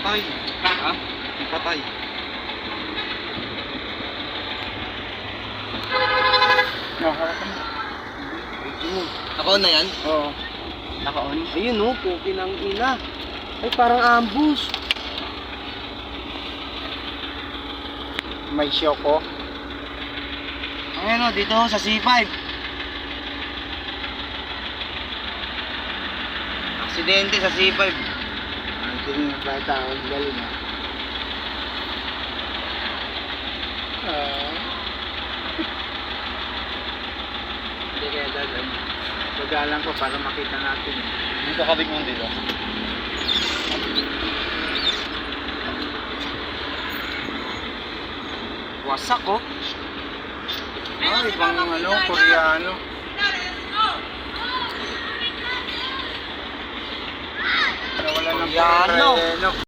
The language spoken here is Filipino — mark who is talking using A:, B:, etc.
A: patay.
B: Ha?
A: May patay.
B: Naka-on na yan?
A: Oo.
B: Naka-on?
A: Ayun oh, puki ng ina. Ay, parang ambush. May shock oh.
B: Ayun o, dito sa C5. Aksidente sa C5.
A: Ito yung bata ako galing ah. Hindi kaya dadan. Pagalan ko para makita natin.
B: Dito kabig mo dito.
A: Wasak oh. Ay, ibang ano, Koreano. Nawala ng
B: Koreano.
A: Koreano.